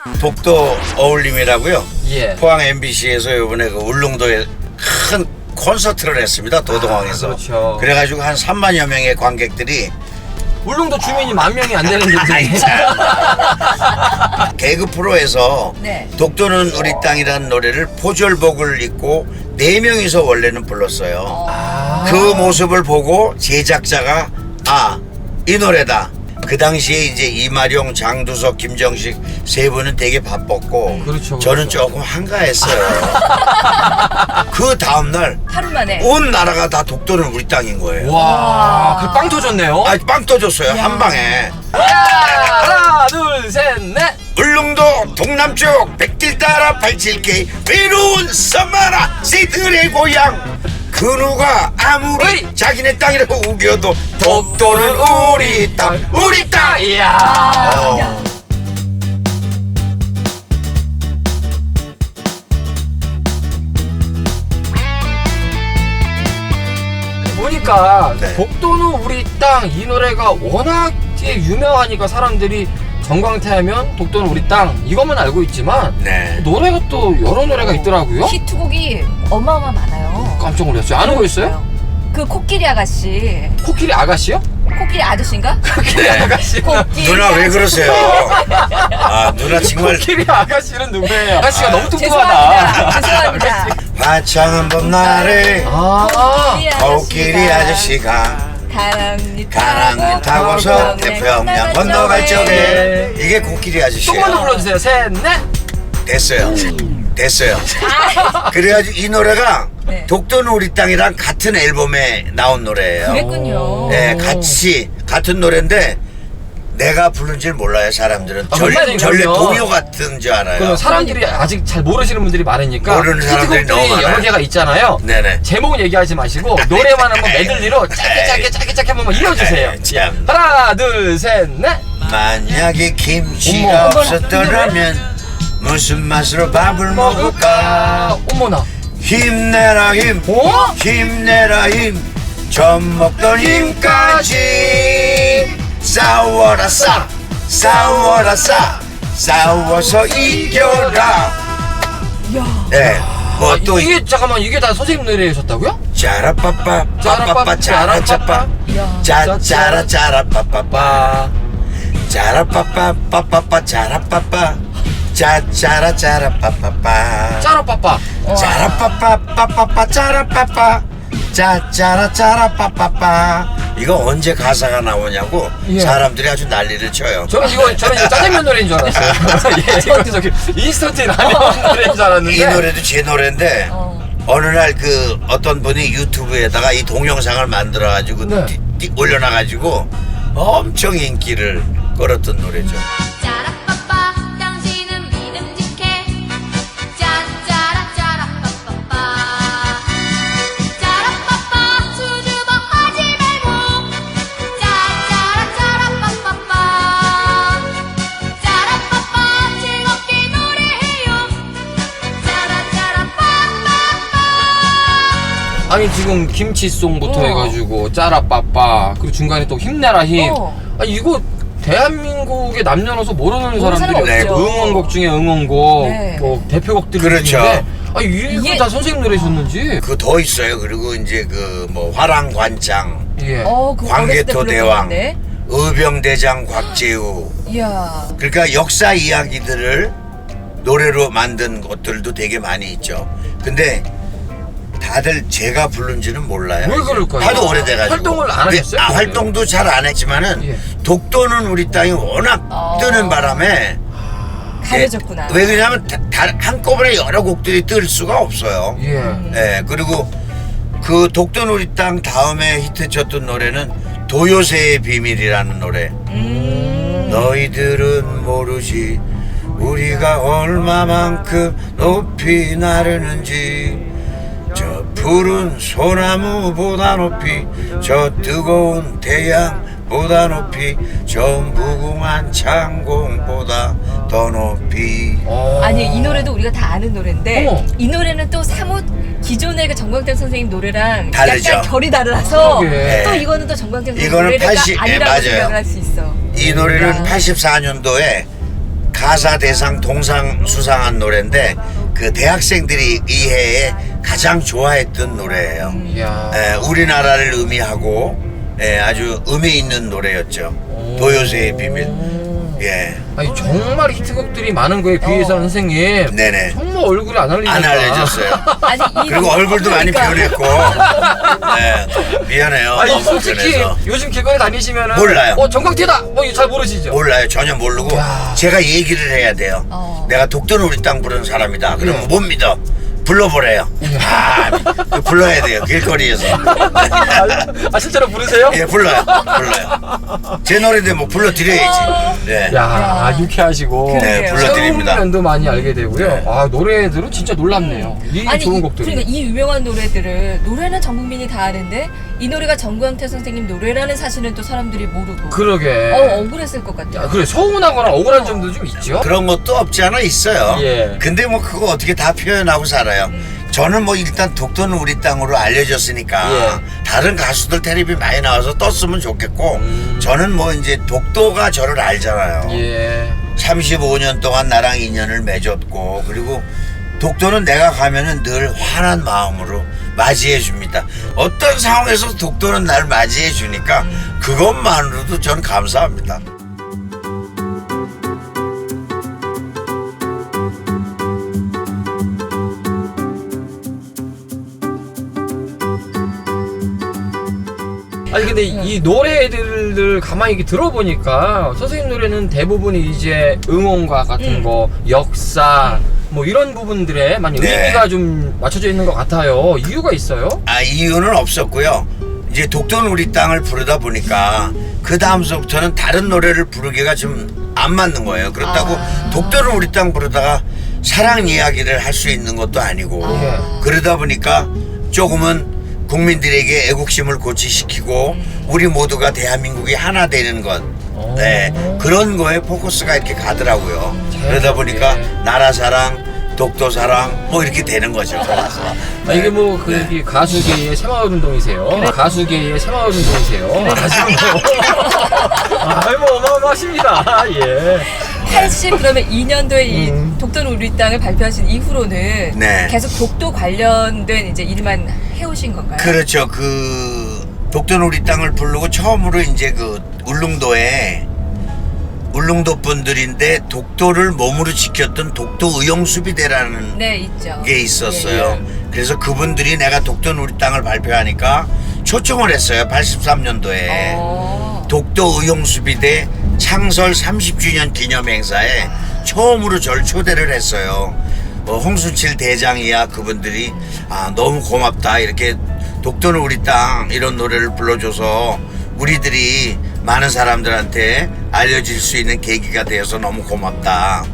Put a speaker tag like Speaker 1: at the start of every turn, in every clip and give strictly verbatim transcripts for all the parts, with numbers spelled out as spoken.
Speaker 1: 독도 어울림이라고요.
Speaker 2: 예.
Speaker 1: 포항 엠비씨에서 이번에 그 울릉도에 큰 콘서트를 했습니다. 도동항에서.
Speaker 2: 아, 그렇죠.
Speaker 1: 그래가지고 한 삼만여 명의 관객들이
Speaker 2: 울릉도 주민이 만 명이 안 되는 데인데.
Speaker 1: 개그 프로에서
Speaker 3: 네.
Speaker 1: 독도는 우리 땅이라는 노래를 포졸복을 입고 네 명이서 원래는 불렀어요.
Speaker 2: 아.
Speaker 1: 그 모습을 보고 제작자가 아, 이 노래다. 그 당시에 이제 이마룡, 장두석, 김정식 세 분은 되게 바빴고
Speaker 2: 그렇죠,
Speaker 1: 저는
Speaker 2: 그렇죠.
Speaker 1: 조금 한가했어요. 그 다음날
Speaker 3: 하루 만에.
Speaker 1: 온 나라가 다 독도는 우리 땅인 거예요.
Speaker 2: 와, 그 빵 터졌네요.
Speaker 1: 아, 빵 터졌어요. 한 방에.
Speaker 2: 하나, 둘, 셋, 넷.
Speaker 1: 울릉도 동남쪽 백길 따라 팔칠 케이 외로운 섬마라 새들의 고향. 그 누가 아무리
Speaker 2: 어이!
Speaker 1: 자기네 땅이라고 우겨도 독도는 우리 땅 우리 땅.
Speaker 2: 이야.
Speaker 1: 어.
Speaker 2: 보니까
Speaker 1: 네.
Speaker 2: 독도는 우리 땅 이 노래가 워낙에 유명하니까 사람들이 전광태하면 독도는 우리 땅 이것만 알고 있지만
Speaker 1: 네.
Speaker 2: 노래가 또 여러 노래가 있더라고요.
Speaker 3: 히트곡이 어마어마 많아요.
Speaker 2: 깜짝 놀랐어요. 아는 거 있어요?
Speaker 3: 그 코끼리 아가씨.
Speaker 2: 코끼리 아가씨요?
Speaker 3: 코끼리 아저씨인가?
Speaker 2: 코끼리 아가씨.
Speaker 3: 코끼리
Speaker 1: 누나 왜
Speaker 3: 아저씨.
Speaker 1: 그러세요? 아 누나 정말
Speaker 2: 코끼리 아가씨는 누구예요? 아가씨가
Speaker 1: 아,
Speaker 2: 너무
Speaker 3: 죄송합니다.
Speaker 2: 뚱뚱하다.
Speaker 3: 죄송합니다.
Speaker 1: 화창한 봄날에
Speaker 2: 아,
Speaker 1: 코끼리 아저씨가
Speaker 3: 가랑이
Speaker 1: 가랑이 타고서 태평양 건너갈 적에 이게 코끼리
Speaker 2: 조금만 더
Speaker 1: 아저씨예요.
Speaker 2: 불러주세요. 셋, 넷.
Speaker 1: 됐어요. 됐어요. 그래가지고 이 노래가
Speaker 3: 네.
Speaker 1: 독도는 우리 땅이랑 같은 앨범에 나온 노래예요.
Speaker 3: 그랬군요.
Speaker 1: 네, 같이 같은 노래인데 내가 부른 줄 몰라요. 사람들은
Speaker 2: 아,
Speaker 1: 전,
Speaker 2: 정말요?
Speaker 1: 전래
Speaker 2: 그럼요.
Speaker 1: 동요 같은 줄 알아요.
Speaker 2: 그럼 사람들이 아직 잘 모르시는 분들이 많으니까
Speaker 1: 모르는 사람들이
Speaker 2: 히트곡들이
Speaker 1: 너무 많아요.
Speaker 2: 여러 개가 있잖아요.
Speaker 1: 네네.
Speaker 2: 제목은 얘기하지 마시고 노래만 한번 메들리로 짧게 짧게 짧게 짧게 한번 이어주세요.
Speaker 1: 에이, 참.
Speaker 2: 하나, 둘, 셋, 넷.
Speaker 1: 만약에 김치가
Speaker 2: 어머.
Speaker 1: 없었더라면 무슨 맛으로 밥을 먹을까?
Speaker 2: 어머나.
Speaker 1: 힘내라 힘,
Speaker 2: 어?
Speaker 1: 힘내라 힘, 젖 먹던 힘까지 싸워라 싸, 싸워라 싸, 싸워서 이겨라.
Speaker 3: 이야.
Speaker 1: 네, 뭐 또
Speaker 2: 이게 잠깐만 이게 다 선생님 노래셨다고요?
Speaker 1: 짜라빠빠,
Speaker 2: 짜라빠빠,
Speaker 1: 빠빠빠, 짜라짜빠,
Speaker 3: 이야.
Speaker 1: 짜 짜라 짜라빠빠빠, 짜라빠빠, 빠빠빠, 짜라빠빠, 짜 짜라 짜라빠빠빠.
Speaker 2: 짜라빠빠.
Speaker 1: 짜라빠빠 빠빠빠 짜라빠빠 짜짜라 짜라빠빠빠. 이거 언제 가사가 나오냐고
Speaker 2: 예.
Speaker 1: 사람들이 아주 난리를 쳐요.
Speaker 2: 저는 이거 저는 이거 짜장면 노래인 줄 알았어요. 예, 이것도 저기 인스턴트 라면 노래인 줄 알았는데.
Speaker 1: 이 노래도 제 노래인데
Speaker 3: 어.
Speaker 1: 어느 날 그 어떤 분이 유튜브에다가 이 동영상을 만들어 가지고
Speaker 2: 네.
Speaker 1: 올려놔 가지고 엄청 인기를 끌었던 노래죠.
Speaker 4: 짜라빠빠 당신은 믿음직해 짜짜라 짜라빠빠빠 짜라빠빠 수줍어하지 말고 짜짜라 짜라빠빠빠 짜라빠빠 즐겁게 노래해요 짜라짜라빠빠빠.
Speaker 2: 아니 지금 김치송부터
Speaker 3: 어.
Speaker 2: 해가지고 짜라빠빠 그리고 중간에 또 힘내라 힘.
Speaker 3: 어.
Speaker 2: 아 이거 대한민국의 남녀노소 모르는
Speaker 3: 모르는
Speaker 2: 사람들이
Speaker 3: 사람이
Speaker 2: 없죠.
Speaker 3: 없죠.
Speaker 2: 응원곡 중에 응원곡,
Speaker 3: 네.
Speaker 2: 뭐 대표곡들
Speaker 1: 그렇죠.
Speaker 2: 중인데 아 이게
Speaker 3: 이게-
Speaker 2: 다 선생님 노래셨는지.
Speaker 1: 그 더 있어요. 그리고 이제 그 뭐 화랑관장,
Speaker 2: 예.
Speaker 3: 어, 그 어렸을 때
Speaker 1: 광개토
Speaker 3: 불렀던
Speaker 1: 대왕,
Speaker 3: 건데.
Speaker 1: 의병대장 곽재우.
Speaker 3: 이야.
Speaker 1: 그러니까 역사 이야기들을 노래로 만든 것들도 되게 많이 있죠. 근데 다들 제가 부른지는 몰라요.
Speaker 2: 왜 그럴까요?
Speaker 1: 하도 오래돼가지고.
Speaker 2: 활동을 안 하셨어요?
Speaker 1: 아, 활동도 잘 안 했지만은
Speaker 2: 예.
Speaker 1: 독도는 우리 땅이 워낙
Speaker 3: 어.
Speaker 1: 뜨는 바람에
Speaker 3: 가려졌구나.
Speaker 1: 예, 왜 그러냐면 다, 다, 한꺼번에 여러 곡들이 뜰 수가 없어요.
Speaker 2: 예.
Speaker 1: 예, 그리고 그 독도는 우리 땅 다음에 히트쳤던 노래는 도요새의 비밀이라는 노래.
Speaker 3: 음.
Speaker 1: 너희들은 모르지 우리가 얼마만큼 높이 나르는지 저 푸른 소나무보다 높이 저 뜨거운 태양보다 높이 저 무궁한 창공보다 더 높이.
Speaker 2: 어.
Speaker 3: 아니 이 노래도 우리가 다 아는 노래인데
Speaker 2: 어머.
Speaker 3: 이 노래는 또 사뭇 기존의 그 정광태 선생님 노래랑
Speaker 1: 다르죠.
Speaker 3: 약간 결이 다르라서
Speaker 2: 그러게.
Speaker 3: 또 이거는 또 정광태 선생님
Speaker 1: 이거는
Speaker 3: 노래가
Speaker 1: 팔십 예,
Speaker 3: 아니라고
Speaker 1: 맞아요.
Speaker 3: 생각을 할 수 있어.
Speaker 1: 이 노래는
Speaker 3: 야.
Speaker 1: 팔십사 년도에 가사 대상 동상 수상한 노래인데 그 대학생들이 이 해에 가장 좋아했던 노래예요.
Speaker 2: 이야.
Speaker 1: 에, 우리나라를 의미하고 에, 아주 의미 있는 노래였죠. 도요새의 비밀. 예.
Speaker 2: 아니 정말 히트곡들이 많은 거에 비해서 는 선생님.
Speaker 1: 네네.
Speaker 2: 정말 얼굴이 안 알리니까.
Speaker 1: 안 알려졌어요.
Speaker 3: 아니 이
Speaker 1: 그리고 얼굴도 많이
Speaker 3: 그러니까.
Speaker 1: 변했고. 네, 미안해요.
Speaker 2: 아니
Speaker 1: 너무
Speaker 2: 솔직히
Speaker 1: 변해서.
Speaker 2: 요즘 길거리 다니시면은
Speaker 1: 몰라요.
Speaker 2: 어 정강태다. 뭐 잘 모르시죠?
Speaker 1: 몰라요. 전혀 모르고
Speaker 2: 야.
Speaker 1: 제가 얘기를 해야 돼요.
Speaker 3: 어.
Speaker 1: 내가 독도는 우리 땅 부르는 사람이다. 그러면
Speaker 2: 네.
Speaker 1: 못 믿어. 불러보래요. 아, 불러야 돼요. 길거리에서.
Speaker 2: 아 실제로 부르세요?
Speaker 1: 예, 불러요. 불러요. 제 노래인데 뭐 불러드려야지. 네.
Speaker 2: 야,
Speaker 3: 야.
Speaker 2: 유쾌하시고
Speaker 1: 네,
Speaker 3: 그러게요.
Speaker 1: 불러드립니다.
Speaker 2: 면도 많이 알게 되고요.
Speaker 1: 네.
Speaker 2: 아 노래들은 진짜 놀랍네요. 이
Speaker 3: 아니
Speaker 2: 좋은
Speaker 3: 이,
Speaker 2: 곡들이.
Speaker 3: 그러니까 이 유명한 노래들을 노래는 전 국민이 다 아는데 이 노래가 정광태 선생님 노래라는 사실은 또 사람들이 모르고
Speaker 2: 그러게.
Speaker 3: 어 억울했을 것 같아요.
Speaker 2: 야, 그래 서운하거나 억울한 점도 좀 있죠.
Speaker 1: 그런 것도 없지 않아 있어요.
Speaker 2: 예.
Speaker 1: 근데 뭐 그거 어떻게 다 표현하고 살아요. 저는 뭐 일단 독도는 우리 땅으로 알려졌으니까
Speaker 2: 예.
Speaker 1: 다른 가수들 텔레비 많이 나와서 떴으면 좋겠고
Speaker 2: 음.
Speaker 1: 저는 뭐 이제 독도가 저를 알잖아요.
Speaker 2: 예.
Speaker 1: 삼십오 년 동안 나랑 인연을 맺었고 그리고 독도는 내가 가면은 늘 환한 마음으로 맞이해 줍니다. 어떤 상황에서 독도는 날 맞이해 주니까 그것만으로도 저는 감사합니다.
Speaker 2: 아니 근데 이 노래들을 가만히 이렇게 들어보니까 선생님 노래는 대부분이 이제 응원가 같은
Speaker 3: 음.
Speaker 2: 거, 역사 뭐 이런 부분들에 많이
Speaker 1: 네.
Speaker 2: 의미가 좀 맞춰져 있는 것 같아요. 이유가 있어요?
Speaker 1: 아 이유는 없었고요. 이제 독도는 우리 땅을 부르다 보니까 그 다음서부터는 다른 노래를 부르기가 좀 안 맞는 거예요. 그렇다고
Speaker 3: 아.
Speaker 1: 독도는 우리 땅 부르다가 사랑 이야기를 할 수 있는 것도 아니고
Speaker 2: 아.
Speaker 1: 그러다 보니까 조금은 국민들에게 애국심을 고취시키고 우리 모두가 대한민국이 하나 되는 것
Speaker 2: 오.
Speaker 1: 네, 그런 거에 포커스가 이렇게 가더라고요. 그러다 보니까
Speaker 2: 예.
Speaker 1: 나라 사랑 독도 사랑 뭐 이렇게 되는 거죠.
Speaker 2: 아, 이게 뭐 그
Speaker 1: 네.
Speaker 2: 가수계의 새마을 운동이세요. 가수계의 새마을 운동이세요. 아시는 거. 아이 뭐 어마어마하십니다. 예.
Speaker 3: 팔십 그러면 이 년도에 이
Speaker 2: 음.
Speaker 3: 독도는 우리 땅을 발표하신 이후로는
Speaker 1: 네.
Speaker 3: 계속 독도 관련된 이제 일만 해오신 건가요?
Speaker 1: 그렇죠. 그 독도는 우리 땅을 부르고 처음으로 이제 그 울릉도에 울릉도 분들인데 독도를 몸으로 지켰던 독도 의용수비대라는
Speaker 3: 네 있죠.
Speaker 1: 게 있었어요.
Speaker 2: 예.
Speaker 1: 그래서 그분들이 내가 독도는 우리 땅을 발표하니까 초청을 했어요. 팔십삼 년도에.
Speaker 3: 어.
Speaker 1: 독도 의용수비대 창설 삼십 주년 기념 행사에 처음으로 절 초대를 했어요. 어, 홍순칠 대장이야 그분들이 아 너무 고맙다 이렇게 독도는 우리 땅 이런 노래를 불러줘서 우리들이 많은 사람들한테 알려질 수 있는 계기가 되어서 너무 고맙다.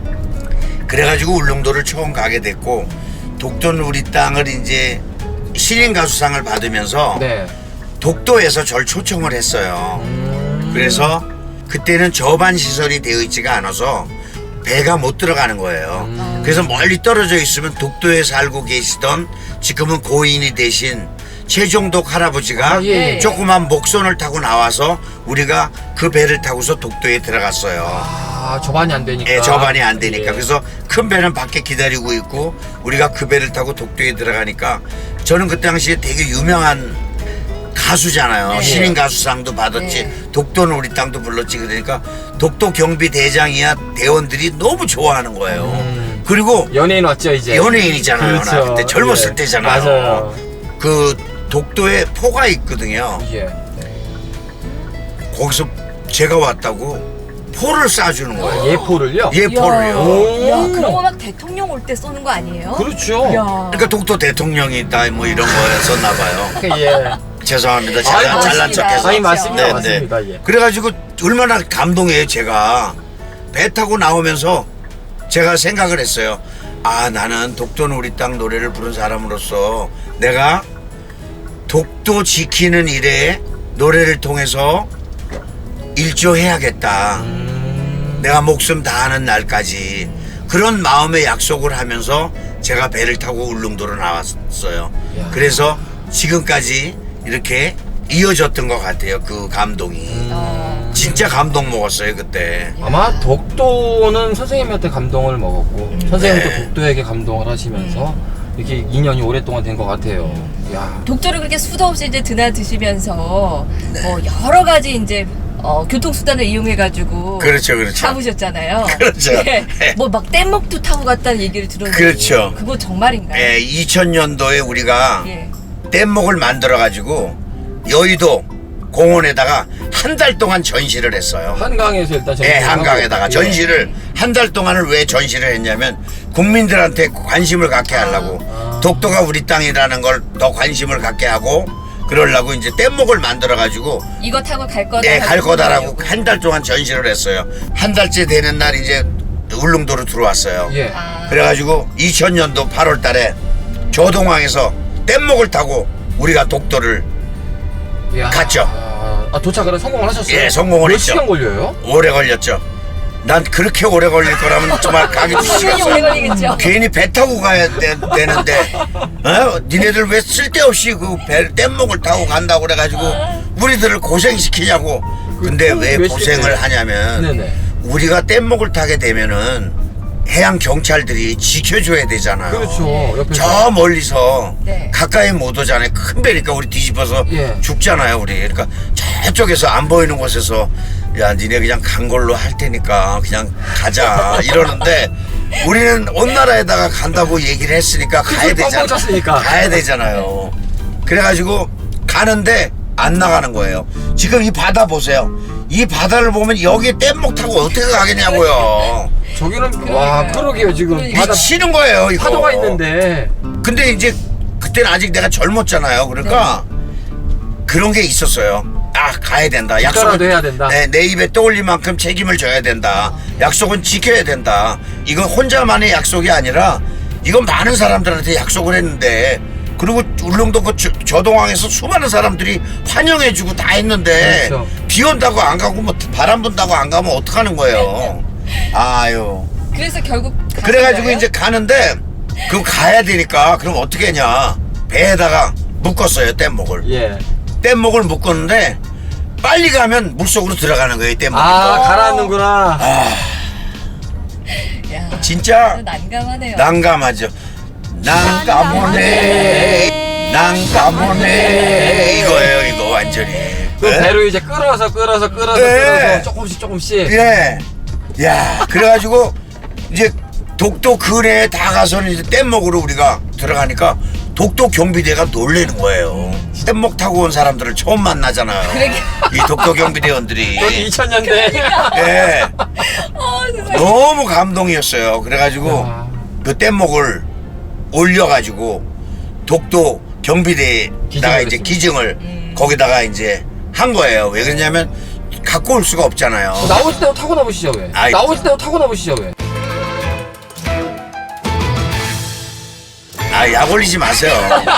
Speaker 1: 그래가지고 울릉도를 처음 가게 됐고 독도는 우리 땅을 이제 신인 가수상을 받으면서
Speaker 2: 네.
Speaker 1: 독도에서 절 초청을 했어요.
Speaker 2: 음.
Speaker 1: 그래서 그때는 저반 시설이 되어 있지가 않아서 배가 못 들어가는 거예요.
Speaker 2: 음.
Speaker 1: 그래서 멀리 떨어져 있으면 독도에 살고 계시던 지금은 고인이 되신 최종독 할아버지가
Speaker 2: 아, 예,
Speaker 3: 예.
Speaker 1: 조그만 목선을 타고 나와서 우리가 그 배를 타고서 독도에 들어갔어요.
Speaker 2: 아 저반이 안 되니까.
Speaker 1: 예, 저반이 안 되니까.
Speaker 2: 예.
Speaker 1: 그래서 큰 배는 밖에 기다리고 있고 우리가 그 배를 타고 독도에 들어가니까 저는 그 당시에 되게 유명한 가수잖아요.
Speaker 3: 네.
Speaker 1: 신인 가수상도 받았지.
Speaker 3: 네.
Speaker 1: 독도는 우리 땅도 불렀지. 그러니까 독도 경비 대장이야 대원들이 너무 좋아하는 거예요.
Speaker 2: 음.
Speaker 1: 그리고
Speaker 2: 연예인 왔죠 이제.
Speaker 1: 연예인이잖아요. 나
Speaker 2: 그렇죠.
Speaker 1: 그때 젊었을
Speaker 2: 예.
Speaker 1: 때잖아요.
Speaker 2: 맞아요.
Speaker 1: 그 독도에 포가 있거든요.
Speaker 2: 예.
Speaker 1: 거기서 제가 왔다고 포를 쏴주는 거예요.
Speaker 2: 예포를요?
Speaker 1: 예포를요.
Speaker 2: 오.
Speaker 3: 야, 그런 거 막 대통령 올 때 쏘는 거 아니에요?
Speaker 2: 그렇죠.
Speaker 3: 야.
Speaker 1: 그러니까 독도 대통령이 있다 뭐 이런 거였었나 봐요.
Speaker 2: 예.
Speaker 1: 죄송합니다.
Speaker 2: 아이,
Speaker 1: 잘난, 잘난
Speaker 3: 맞습니다.
Speaker 1: 척해서.
Speaker 2: 아니 맞습니다,
Speaker 1: 네,
Speaker 2: 맞습니다.
Speaker 1: 네.
Speaker 2: 예.
Speaker 1: 그래가지고 얼마나 감동해요. 제가 배 타고 나오면서 제가 생각을 했어요. 아 나는 독도는 우리 땅 노래를 부른 사람으로서 내가 독도 지키는 일에 노래를 통해서 일조해야겠다.
Speaker 2: 음.
Speaker 1: 내가 목숨 다하는 날까지 그런 마음의 약속을 하면서 제가 배를 타고 울릉도로 나왔어요.
Speaker 2: 야.
Speaker 1: 그래서 지금까지 이렇게 이어졌던 것 같아요. 그 감동이.
Speaker 3: 어.
Speaker 1: 진짜 진짜 감동 먹었어요 그때.
Speaker 2: 아마 독도는 선생님한테 감동을 먹었고 선생님도
Speaker 1: 네.
Speaker 2: 독도에게 감동을 하시면서 이렇게 인연이 오랫동안 된 것 같아요. 야.
Speaker 3: 독도를 그렇게 수도 없이 이제 드나드시면서
Speaker 1: 네.
Speaker 3: 뭐 여러 가지 이제 어, 교통수단을 이용해가지고
Speaker 1: 그렇죠, 그렇죠.
Speaker 3: 타보셨잖아요.
Speaker 1: 그렇죠.
Speaker 3: 예. 뭐막 뗏목도 타고 갔다는 얘기를 들었는데
Speaker 1: 그렇죠.
Speaker 3: 그거 정말인가요?
Speaker 1: 예, 이천 년도에 우리가
Speaker 3: 예.
Speaker 1: 뗏목을 만들어 가지고 여의도 공원에다가 한 달 동안 전시를 했어요.
Speaker 2: 한강에서 일단 전시를
Speaker 1: 예, 한강에다가
Speaker 2: 하고,
Speaker 1: 전시를 한 달 동안을 왜 전시를 했냐면 국민들한테 관심을 갖게 하려고
Speaker 2: 아.
Speaker 1: 독도가 우리 땅이라는 걸 더 관심을 갖게 하고 그러려고 이제 뗏목을 만들어 가지고
Speaker 3: 이거 타고 갈 거다.
Speaker 1: 예, 갈
Speaker 3: 하고
Speaker 1: 거다라고
Speaker 3: 그러려고.
Speaker 1: 한 달 동안 전시를 했어요. 한 달째 되는 날 이제 울릉도로 들어왔어요.
Speaker 2: 예.
Speaker 3: 아.
Speaker 1: 그래가지고 이천 년도 팔월 달에 조동항에서 뗏목을 타고 우리가 독도를
Speaker 2: 야.
Speaker 1: 갔죠.
Speaker 2: 아, 도착을 성공을 하셨어요?
Speaker 1: 예, 성공을
Speaker 2: 몇
Speaker 1: 했죠.
Speaker 2: 시간 걸려요?
Speaker 1: 오래 걸렸죠. 난 그렇게 오래 걸릴 거라면 정말 가기
Speaker 3: 시간이 오래
Speaker 1: 싫었어.
Speaker 3: 걸리겠죠.
Speaker 1: 괜히 배 타고 가야 되, 되는데, 어? 니네들 왜 쓸데없이 그 배, 뗏목을 타고 간다고 그래가지고 우리들을 고생시키냐고. 근데
Speaker 2: 그
Speaker 1: 왜
Speaker 2: 몇
Speaker 1: 고생을
Speaker 2: 시간이에요?
Speaker 1: 하냐면
Speaker 2: 네네.
Speaker 1: 우리가 뗏목을 타게 되면은 해양 경찰들이 지켜줘야 되잖아요.
Speaker 2: 그렇죠. 옆에서.
Speaker 1: 저 멀리서
Speaker 3: 네.
Speaker 1: 가까이 못 오잖아요. 큰 배니까 우리 뒤집어서
Speaker 2: 예.
Speaker 1: 죽잖아요, 우리. 그러니까 저쪽에서 안 보이는 곳에서 야, 니네 그냥 간 걸로 할 테니까 그냥 가자 이러는데 우리는 온 나라에다가 간다고 얘기를 했으니까 가야
Speaker 2: 그치, 뻥뻥
Speaker 1: 되잖아.
Speaker 2: 쳤으니까.
Speaker 1: 가야 되잖아요. 그래가지고 가는데 안 나가는 거예요. 지금 이 바다 보세요. 이 바다를 보면 여기에 뗏목 타고 어떻게 가겠냐고요.
Speaker 2: 저기는 와 그러게요 지금
Speaker 3: 그러니까.
Speaker 2: 바다
Speaker 1: 미치는 거예요, 이거.
Speaker 2: 파도가 있는데
Speaker 1: 근데 이제 그때는 아직 내가 젊었잖아요. 그러니까 그런 게 있었어요. 아, 가야 된다.
Speaker 2: 국가라도 해야 된다.
Speaker 1: 네, 내 입에 떠올릴 만큼 책임을 져야 된다. 약속은 지켜야 된다. 이건 혼자만의 약속이 아니라 이건 많은 사람들한테 약속을 했는데 그리고 울릉도 그 저- 저동항에서 수많은 사람들이 환영해주고 다 했는데
Speaker 2: 그렇죠.
Speaker 1: 비 온다고 안 가고 뭐 바람 분다고 안 가면 어떡하는 거예요. 아유.
Speaker 3: 그래서 결국 가신
Speaker 1: 그래가지고
Speaker 3: 거예요?
Speaker 1: 이제 가는데 그럼 가야 되니까 그럼 어떻게 했냐 배에다가 묶었어요 뗏목을.
Speaker 2: 예.
Speaker 1: 뗏목을 묶었는데 빨리 가면 물속으로 들어가는 거예요 뗏목이.
Speaker 2: 아 가라앉는구나.
Speaker 3: 야,
Speaker 1: 진짜
Speaker 3: 난감하네요.
Speaker 1: 난감하죠. 난감하네 난감하네 이거예요 이거 완전히.
Speaker 2: 그
Speaker 1: 네?
Speaker 2: 배로 이제 끌어서 끌어서 끌어서
Speaker 1: 네.
Speaker 2: 끌어서 조금씩 조금씩.
Speaker 1: 예. 야, 그래가지고 이제 독도 근해에 다 가서는 이제 뗏목으로 우리가 들어가니까 독도 경비대가 놀래는 거예요. 뗏목 타고 온 사람들을 처음 만나잖아요.
Speaker 3: 그러게.
Speaker 1: 이 독도 경비대원들이.
Speaker 2: 여기 이천 년대.
Speaker 1: 예.
Speaker 3: 어, 세상에.
Speaker 1: 너무 감동이었어요. 그래가지고
Speaker 2: 야.
Speaker 1: 그 뗏목을 올려가지고 독도 경비대에다가
Speaker 2: 기증을
Speaker 1: 이제
Speaker 2: 했습니다.
Speaker 1: 기증을
Speaker 3: 음.
Speaker 1: 거기다가 이제 한 거예요. 왜 그러냐면 갖고 올 수가 없잖아요.
Speaker 2: 어, 나오실 때도 타고 나보시죠 왜?
Speaker 1: 아이.
Speaker 2: 나오실 때도 타고 나보시죠 왜?
Speaker 1: 아, 약 올리지 마세요.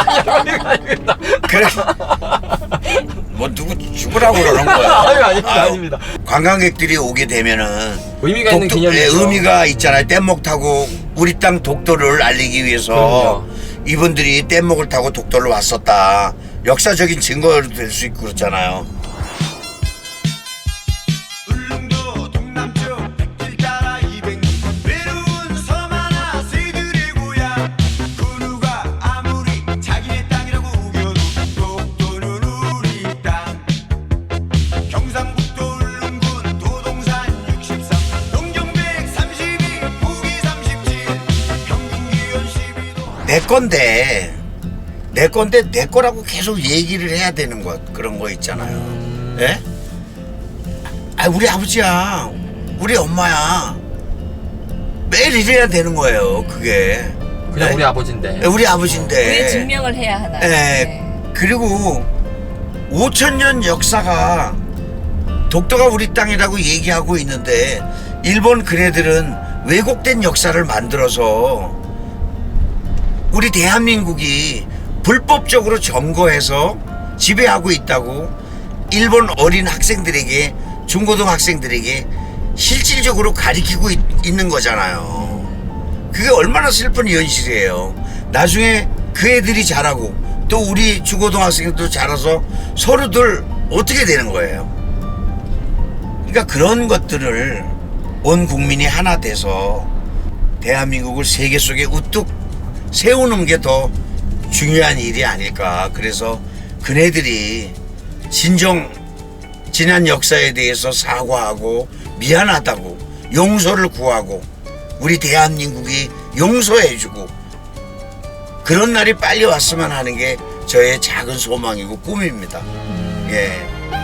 Speaker 1: 그래. 뭐 누구 죽으라고 그러는 거야.
Speaker 2: 아유, 아닙니다,
Speaker 1: 아유,
Speaker 2: 아닙니다.
Speaker 1: 관광객들이 오게 되면은
Speaker 2: 의미가 있는
Speaker 1: 독도-
Speaker 2: 기념이죠.
Speaker 1: 예, 의미가 있잖아요. 뗏목 타고 우리 땅 독도를 알리기 위해서
Speaker 2: 그럼요.
Speaker 1: 이분들이 뗏목을 타고 독도를 왔었다. 역사적인 증거도 될 수 있고 그렇잖아요.
Speaker 5: 울릉도 동남쪽 백길 따라 이백 리 외로운 섬 하나 새들의 고향 그 누가 아무리 자기네 땅이라고 우겨도 독도는 우리 땅 경상북도 울릉군 도동산 육십삼 농경 백삼십이 북이 삼십칠 평균 기온 십이 도
Speaker 1: 내 건데 내 건데 내 거라고 계속 얘기를 해야 되는 것 그런 거 있잖아요. 예? 아, 우리 아버지야, 우리 엄마야. 매일 이래야 되는 거예요. 그게.
Speaker 2: 그냥
Speaker 1: 예?
Speaker 2: 우리 아버지인데.
Speaker 1: 예, 우리 아버지인데.
Speaker 3: 왜 증명을 해야 하나?
Speaker 1: 예.
Speaker 3: 네.
Speaker 1: 그리고 오천 년 역사가 독도가 우리 땅이라고 얘기하고 있는데 일본 그네들은 왜곡된 역사를 만들어서 우리 대한민국이 불법적으로 점거해서 지배하고 있다고 일본 어린 학생들에게 중고등 학생들에게 실질적으로 가리키고 있, 있는 거잖아요. 그게 얼마나 슬픈 현실이에요. 나중에 그 애들이 자라고 또 우리 중고등학생도 자라서 서로들 어떻게 되는 거예요? 그러니까 그런 것들을 온 국민이 하나 돼서 대한민국을 세계 속에 우뚝 세우는 게 더 중요한 일이 아닐까. 그래서 그네들이 진정 지난 역사에 대해서 사과하고 미안하다고 용서를 구하고 우리 대한민국이 용서해주고 그런 날이 빨리 왔으면 하는 게 저의 작은 소망이고 꿈입니다. 예.